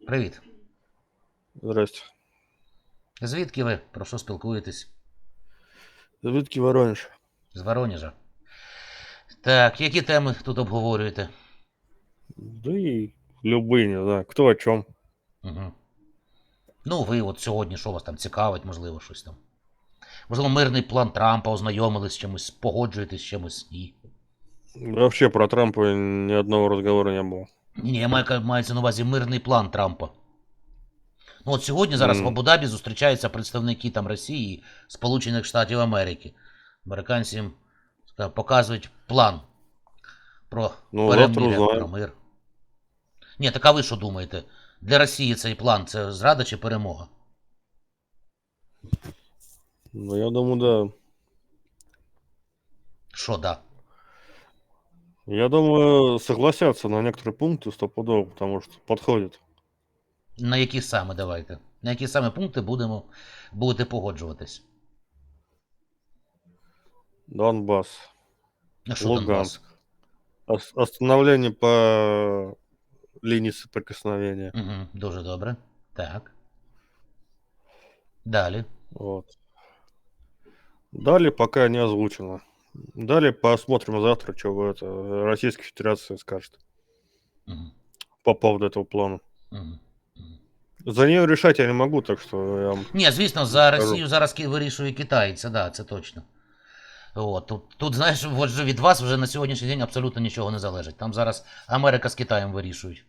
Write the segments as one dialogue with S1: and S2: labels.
S1: Привіт.
S2: Здрасте.
S1: Звідки ви? Про що спілкуєтесь?
S2: Звідки Воронеж?
S1: З Воронежа. Так, які теми тут обговорюєте?
S2: Да и любые, не знаю, кто о чем.
S1: Угу. Ну, ви от сьогодні, що вас там цікавить, можливо, щось там. Можливо, мирний план Трампа, ознайомились з чимось, погоджуєтесь з чимось? Ні.
S2: Вообще про Трампа ни одного разговора не было.
S1: Ні, мається на увазі мирний план Трампа. Ну от сьогодні зараз в
S2: М.
S1: Абу-Дабі зустрічаються представники там Росії і Сполучених Штатів Америки. Американці їм показують план про
S2: Ну, завтра
S1: перемир'я, про
S2: узнаем.
S1: мир. Ні, так а ви що думаєте? Для Росії цей план це зрада чи перемога?
S2: Ну, я думаю, да.
S1: Що да?
S2: Я думаю, согласятся на некоторые пункты стопудово, потому что подходит.
S1: На які саме давайте? На які саме пункти будете погоджуватись?
S2: Донбасс,
S1: А що Донбас?
S2: Луганск. Остановление по линии соприкосновения.
S1: Угу, дуже добре. Так. Далі.
S2: Вот. Далее пока не озвучено. Далее посмотрим завтра, что Российская Федерация скажет
S1: Угу,
S2: по поводу этого плана.
S1: угу.
S2: За нее решать я не могу, так что я вам
S1: Ні, звісно, за
S2: скажу.
S1: Росію зараз вирішує Китай, це да, це точно. От, тут, знаєш, от же від вас вже на сьогоднішній день абсолютно нічого не залежить. Там зараз Америка з Китаєм вирішують.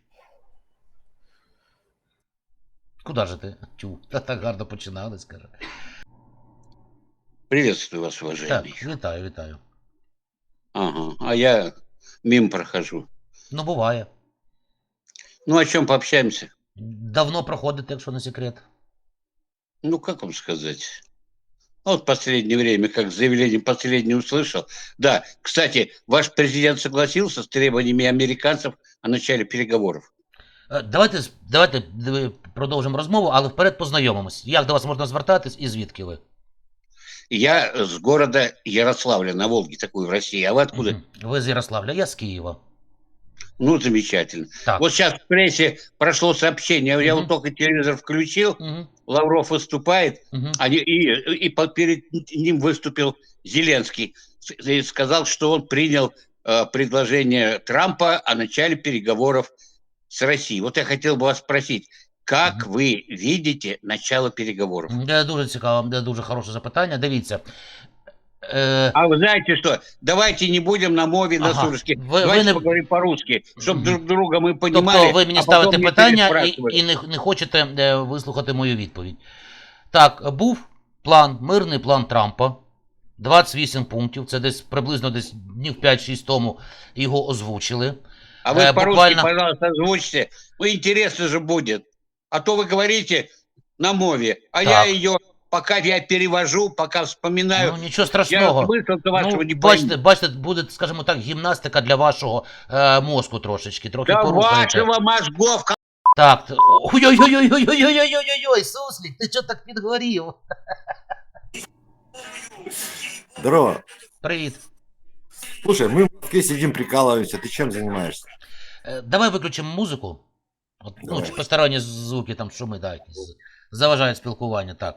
S1: Куди же ти? Тю, так гарно починали, скаже.
S3: Приветствую вас, уважаемый.
S1: Так, вітаю, вітаю.
S3: Ага, а я мимо прохожу.
S1: Ну, буває.
S3: Ну, о чем пообщаемся?
S1: Давно проходите, якщо не секрет.
S3: Ну, как вам сказать? Вот в последнее время, как заявление последнее услышал. Да, кстати, ваш президент согласился с требованиями американцев о начале переговоров.
S1: Давайте продовжимо розмову, але вперед познайомимось. Як до вас можна звертатись і звідки ви?
S3: Я с города Ярославля на Волге, такой в России. А вы откуда?
S1: Мгм. Ви з Ярославля, я з Києва.
S3: Ну, замечательно.
S1: Так.
S3: Вот сейчас в прессе прошло сообщение, я
S1: Мгм.
S3: вот только телевизор включил,
S1: Угу.
S3: Лавров выступает,
S1: Угу.
S3: перед ним выступил Зеленский и сказал, что он принял предложение Трампа о начале переговоров с Россией. Вот я хотел бы вас спросить, как вы видите начало переговоров?
S1: Дуже цікаво, дуже хороше запитання. Дивіться.
S3: А вы знаете что? Давайте не будем на мове, на
S1: Ага.
S3: суржике.
S1: Вы
S3: Давайте
S1: не-
S3: поговорим по-русски, чтобы
S1: Мгм.
S3: друг друга мы понимали.
S1: Тобто ви мені
S3: а
S1: ставите
S3: потом не
S1: питання і
S3: переспрашивали.
S1: не хочете вислухати мою відповідь. Так, був план, мирний план Трампа. 28 пунктів. Це десь приблизно десь днів 5-6 тому його озвучили.
S3: А вы по-русски,
S1: буквально-
S3: пожалуйста, озвучьте. Ну, интересно же будет. А то вы говорите на мове, а
S1: Так.
S3: я ее, пока я перевожу, пока вспоминаю,
S1: Ну, нічого
S3: я
S1: страшного.
S3: смысл-то вашего не
S1: Бачите, буде, скажімо так, гімнастика для вашого мозку трошечки, трохи
S3: Да
S1: порухаєте.
S3: вашего мозгов.
S1: Так, ой-ой-ой-ой-ой-ой-ой-ой-ой, Суслик, ти чого так підгорів?
S4: Здорово.
S1: Привіт.
S4: Слушай, мы в Москве сидим, прикалываемся. Ты чем занимаешься?
S1: Давай виключимо музику. От,
S4: Давай.
S1: чи посторонні звуки, там шуми, да, якісь заважають спілкування, так.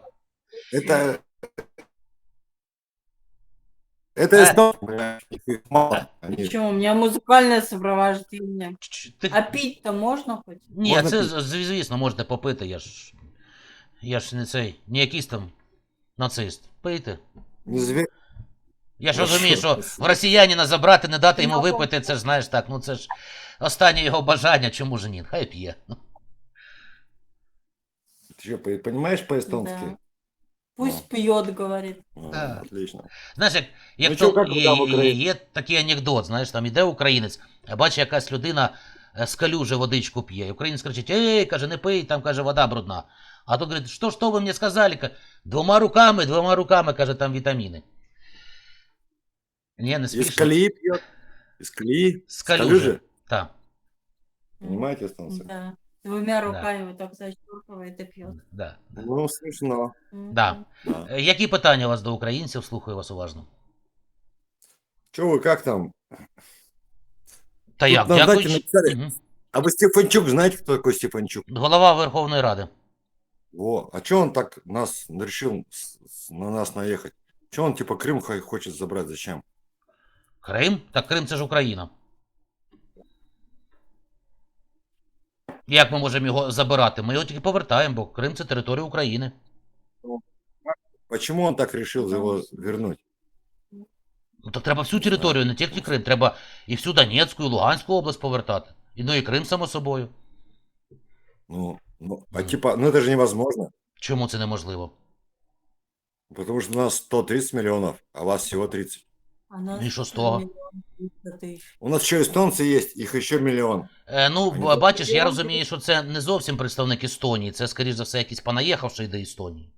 S4: Это СТО. Их мало. Они-
S5: Почему? У меня музыкальное сопровождение.
S1: Ти...
S5: А пить-то можно хоть?
S1: Ні,
S4: можна
S1: це,
S4: пити?
S1: звісно, можете попити, я ж не цей, не якийсь там нацист. Пийте.
S4: Не зверь.
S1: Я ж
S4: Ну,
S1: розумію,
S4: що
S1: що
S4: ти?
S1: в росіянина забрати, не дати йому
S5: Ну,
S1: випити, це ж, знаєш, так, ну це ж останнє його бажання, чому ж ні? Хай п'є.
S4: Ты что, понимаешь по-эстонски?
S5: Да. Пусть пьет, говорит.
S1: Да.
S4: Отлично.
S1: Знаєш, як
S4: Ну,
S1: то
S4: чого, як ви там в Україні?
S1: є такий анекдот, знаєш, там іде українець, а бачить, якась людина з калюжі водичку п'є. І українець кричить: ей, каже, не пий, там, каже, вода брудна. А тут говорить: що ви мені сказали? Двома руками, каже, там вітаміни. Ні, не
S4: Из
S1: смішно.
S4: колеи пьет. Из колеи.
S1: З
S4: С
S1: калюжі. Так.
S4: Понимаете, эстонцы?
S5: Да. Двумя руками вот так защелкивает и пьет.
S1: Да.
S4: Ну, смешно.
S1: Да.
S4: Да.
S1: Які питання у вас до українців? Слухаю вас уважно.
S4: Че вы, как там?
S1: Та
S4: Тут
S1: як,
S4: на
S1: дякую.
S4: дачі написали.
S1: Мгм.
S4: А вы Стефанчук, знаете, кто такой Стефанчук?
S1: Голова Верховної Ради.
S4: Во, а чё он так нас решил на нас наехать? Чё он типа Крым хочет забрать? Зачем?
S1: Крим? Так Крим це ж Україна. Як ми можемо його забирати? Ми його тільки повертаємо, бо Крим це територія України.
S4: Почему он так решил его вернуть?
S1: Ну так треба всю територію, не тільки Крим. Треба і всю Донецьку, і Луганську область повертати. І ну і Крим, само собою.
S4: А типа, ну это же невозможно.
S1: Чому це неможливо?
S4: Потому что у нас 130 миллионов, а у вас всего 30.
S5: А нас
S1: Ну і що з того?
S5: 1 000 000.
S4: У нас еще эстонцы есть, их еще миллион.
S1: Ну,
S4: Ані,
S1: бачиш, я розумію, що це не зовсім представник Естонії. Це, скоріш за все, якийсь понаїхавший до Естонії.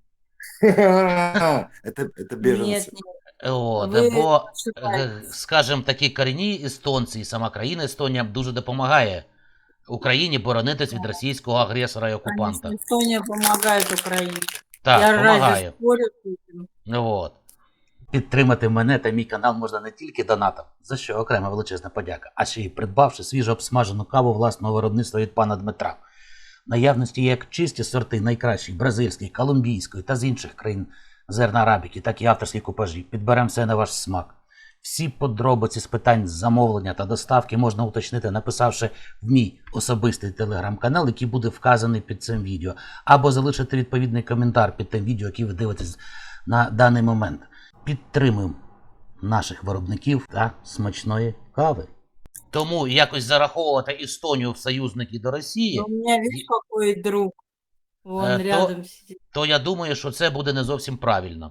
S4: Это беженцы.
S5: Нет, нет.
S1: От,
S5: Ви
S1: бо,
S5: ошибаєтесь.
S1: скажімо, такі корінні естонці і сама країна Естонія дуже допомагає Україні боронитись від російського агресора і окупанта.
S5: Конечно, Эстония помогает Украине.
S1: Так,
S5: Я разве
S1: допомагає.
S5: спорю с этим?
S1: От. Підтримати мене та мій канал можна не тільки донатом, за що окрема величезна подяка, а ще й придбавши свіжо обсмажену каву власного виробництва від пана Дмитра. В наявності є як чисті сорти найкращих бразильської, колумбійської та з інших країн зерна арабіки, так і авторські купажі. Підберемо все на ваш смак. Всі подробиці з питань замовлення та доставки можна уточнити, написавши в мій особистий телеграм-канал, який буде вказаний під цим відео, або залишити відповідний коментар під тим відео, яке ви дивитесь на даний момент. Підтримуємо наших виробників та смачної кави. Тому якось зараховувати Естонію в союзники до Росії,
S5: Но у меня, видишь, какой друг. Вон
S1: то-
S5: рядом сидит.
S1: то я думаю, що це буде не зовсім правильно.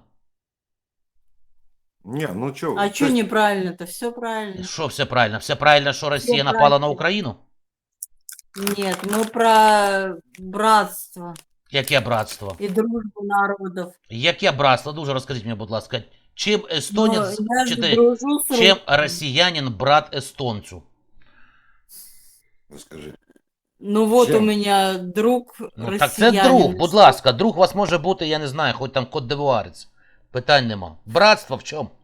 S4: Не, ну что?
S5: А что неправильно-то? Все правильно.
S1: Що все правильно? Все правильно, що Росія напала на
S5: правильно.
S1: Україну?
S5: Нет, мы про братство
S1: Яке братство?
S5: и дружбу народов.
S1: Яке братство? Дуже розкажіть мені, будь ласка. Чим
S5: Но
S1: естонець,
S5: я
S1: чи
S5: же
S1: ти-
S5: дружу с
S1: чим
S5: русскими.
S1: росіянин брат естонцю?
S4: Расскажи.
S5: Ну вот
S4: Чем?
S5: у меня друг
S1: Ну, так це
S5: россиянин.
S1: друг, будь ласка, друг у вас може бути, я не знаю, хоч там Кот-д'Івуарець. Питань нема. Братство в чому?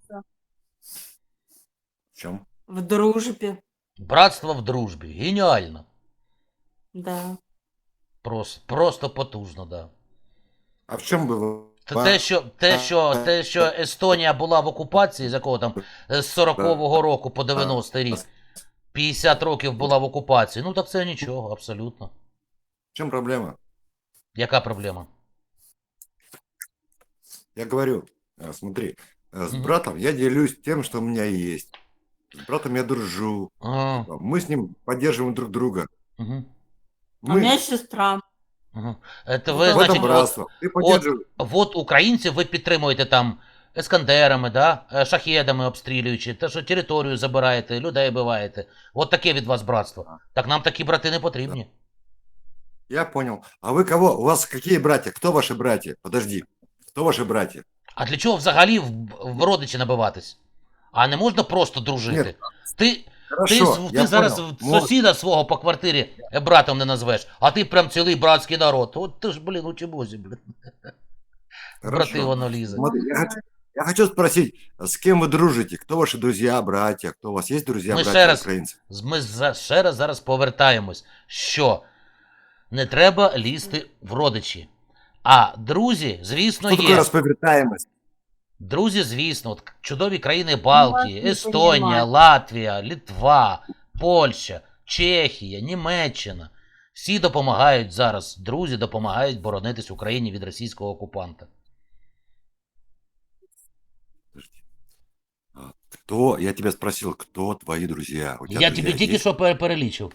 S4: В чем?
S5: В дружбе,
S1: Братство в дружбі. Геніально.
S5: да.
S1: Просто потужно, да.
S4: А в чем было?
S1: Та те, що Естонія була в окупації, з якого там з 40-го року по 90-й рік, 50 років була в окупації, ну так це нічого, абсолютно.
S4: В чем проблема?
S1: Яка проблема?
S4: Я говорю, смотри, с
S1: Мгм.
S4: братом я делюсь тем, что у меня есть. С братом я дружу.
S1: Ага,
S4: Мы с ним поддерживаем друг друга.
S1: угу,
S5: А у меня сестра.
S1: угу. Це
S4: в
S1: ви,
S4: этом
S1: значить,
S4: братство. Ты поддерживаешь.
S1: от українців ви підтримуєте там ескандерами, да? Шахедами обстрілюючи, те, що територію забираєте, людей биваєте. От таке від вас братство. Так нам такі брати не потрібні.
S4: Я понял. А вы кого? У вас какие братья? Кто ваши братья? Подожди. Кто ваши братья?
S1: А для чого взагалі в родичі набиватись? А не можна просто дружити?
S4: Ні.
S1: Ти
S4: Хорошо,
S1: ти
S4: я
S1: зараз
S4: понял.
S1: сусіда свого по квартирі братом не назвеш, а ти прям цілий братський народ. От ти ж, блін, у чебозі, блін. Брати
S4: Хорошо.
S1: воно лізе.
S4: Смотри, я хочу спросить, с кем вы дружите? Кто ваши друзья, братья? Кто у вас есть друзья,
S1: Мы
S4: братья
S1: ще раз-
S4: украинцы?
S1: Ми ще раз зараз повертаємось, що не треба лізти в родичі. А друзі, звісно,
S4: Что такое
S1: є.
S4: расповертаемость?
S1: Друзі, звісно, от чудові країни Балтії,
S5: вас не
S1: Естонія,
S5: понімаю.
S1: Латвія, Литва, Польща, Чехія, Німеччина. Всі допомагають зараз, друзі допомагають боронитись Україні від російського окупанта.
S4: Кто? Я тебя спросил, кто твои друзья? У тебя
S1: Я
S4: друзья
S1: тобі тільки
S4: есть?
S1: що перелічив.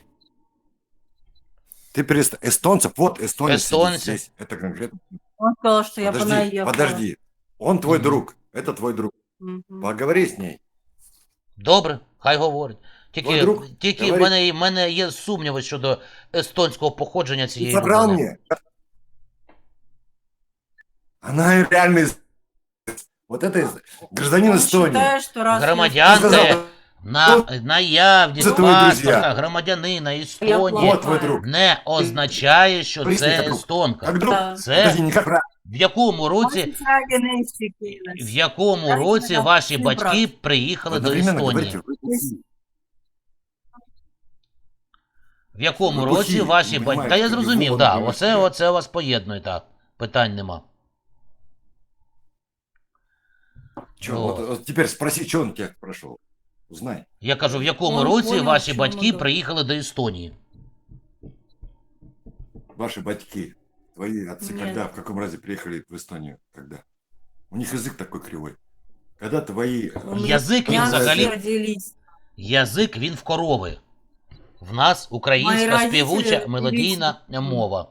S4: Ты эстонцев, вот эстонец сидит
S1: Эстонцы.
S4: здесь. Это конкретно.
S5: Он сказал, что я
S4: Подожди,
S5: понаехала.
S4: подожди. Он твой
S1: Мгм.
S4: друг. Это твой друг.
S5: Мгм.
S4: Поговори с ней.
S1: Добре, хай говорить.
S4: Твой друг
S1: Тільки в
S4: говорить.
S1: мене є сумніви щодо естонського походження
S4: Ты
S1: цієї
S4: собрал
S1: людини.
S4: мне? Она реальный... Вот это гражданин
S5: Он
S4: Эстонии.
S5: считает, что раз
S1: Громадян
S4: Ты сказал,
S1: наявність
S4: Це твої друзі.
S1: паспорта громадянина Естонії
S4: вот твой друг.
S1: не означає, що
S4: Присни,
S1: це
S4: як друг.
S1: естонка.
S4: Как друг?
S5: Да.
S1: Це
S4: Подожди, не как брат.
S1: в якому році, в якому
S5: Знаєте,
S1: році
S5: нам
S1: ваші
S5: всім
S1: батьки
S5: брат.
S1: приїхали до
S4: Одновременно
S1: Естонії?
S4: говорите, вы такие.
S1: В якому
S4: Ви
S1: році
S4: бухі,
S1: ваші
S4: ви
S1: батьки... Та
S4: понімаєте,
S1: я
S4: тобі
S1: зрозумів,
S4: голову
S1: да.
S4: дивишся.
S1: Оце вас поєднує, так. Питань нема.
S4: Чё,
S1: Вот.
S4: вот теперь спроси, что он тебя прошел. Узнай.
S1: Я кажу, в якому
S5: Он
S1: році
S5: понял,
S1: ваші
S5: в чому
S1: батьки
S5: да.
S1: приїхали до Естонії?
S4: Ваши батьки, твои отцы,
S5: Нет.
S4: когда, в каком разе приехали в Эстонию? Когда? У них язык такой кривой. Когда твои...
S5: У меня
S1: Язик він
S5: все
S1: взагалі...
S5: родились.
S1: Язик він в корови. В нас
S5: Мої
S1: українська
S5: родителі
S1: співуча
S5: родились.
S1: мелодійна мова.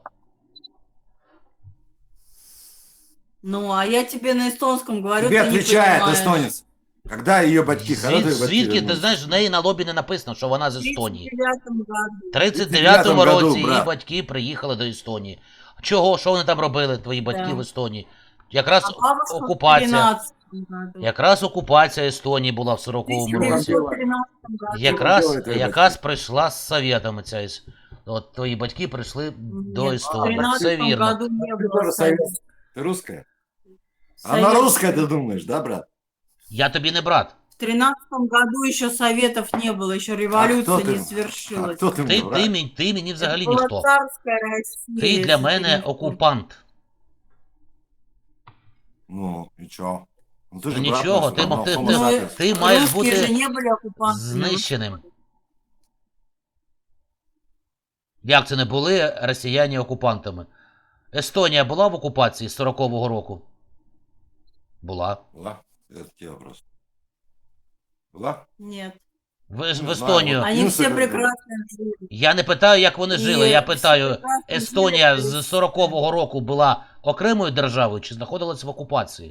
S5: Ну, а я тебе на эстонском говорю,
S4: Тебе
S5: ты не
S4: отвечает
S5: понимаешь.
S4: эстонец. Когда ее батьки, когда твои батьки
S1: Звідки, ти
S4: вернулись?
S1: знаєш, в неї на лобі не написано, що вона з Естонії.
S5: В
S1: 39-му
S5: 39 году.
S4: 39-му году,
S1: році її
S4: брат.
S1: батьки приїхали до Естонії. Чого? Що вони там робили, твої батьки
S5: Да.
S1: в Естонії? Якраз
S5: А бабушка в
S1: окупація.
S5: 13 году.
S1: Якраз окупація Естонії була в 40-му році.
S5: 1913 году.
S1: Якраз,
S4: робили твої
S1: якраз прийшла з совєтами ця От твої батьки прийшли до
S5: Нет, в
S1: Естонії.
S5: 13
S1: Це вірно.
S5: году не
S4: Ты
S5: было
S4: тоже
S5: совета.
S4: Ты русская?
S5: Совет-
S4: Она русская, ты думаешь, да, брат?
S1: Я тобі не брат.
S5: В 13 году еще советов не было, еще
S4: А
S5: революция
S4: кто
S5: не
S4: ты? А
S5: свершилась.
S4: кто ты мне, брат?
S1: Ти мені взагалі
S5: Это была
S1: ніхто.
S5: царская Россия.
S1: Ти для
S5: если
S1: мене
S5: ты не в курсе.
S1: окупант.
S4: Ну, и чё? Ну, ты
S1: Ну,
S4: же
S1: ничего,
S4: брат наш,
S1: ты-
S4: равно
S1: ты-
S4: homo
S1: ты-
S4: sapiens.
S1: ти маєш
S5: Русские
S1: бути
S5: же не были оккупантами.
S1: знищеним. Як це не були росіяни окупантами? Естонія була в окупації з 40-го року? Була.
S4: Была? Это тебе вопрос. Была?
S5: Нет.
S1: В
S4: Не знаю,
S1: Естонію.
S4: вот.
S5: Они
S4: Ну,
S5: все
S4: это-
S5: прекрасно жили.
S1: Я не питаю, як вони
S5: І
S1: жили. Я
S5: всі
S1: питаю,
S5: прекрасно
S1: Естонія
S5: жили.
S1: з 40-го року була окремою державою чи знаходилась в окупації?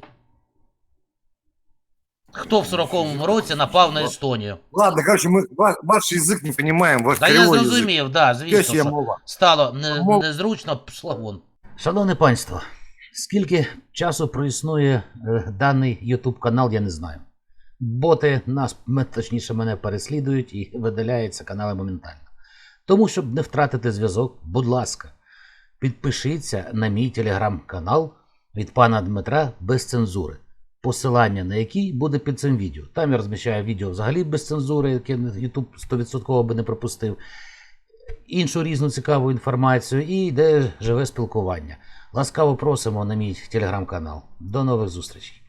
S1: Хто в 40-му році напав на Естонію?
S4: Ладно, короче, мы ваш язык не понимаем, ваш
S1: Та я
S4: кривой язык.
S1: зрозумів, да, звісно,
S4: Пёсья
S1: що
S4: мова.
S1: стало
S4: Мов-
S1: незручно, пішла вон. Шановне панство, скільки часу проіснує даний YouTube канал, я не знаю. Боти нас, точніше, мене переслідують і видаляються канали моментально. Тому, щоб не втратити зв'язок, будь ласка, підпишіться на мій телеграм-канал від пана Дмитра без цензури. Посилання на який буде під цим відео. Там я розміщаю відео взагалі без цензури, яке YouTube 100% би не пропустив. Іншу різну цікаву інформацію і йде живе спілкування. Ласкаво просимо на мій телеграм-канал. До нових зустрічей.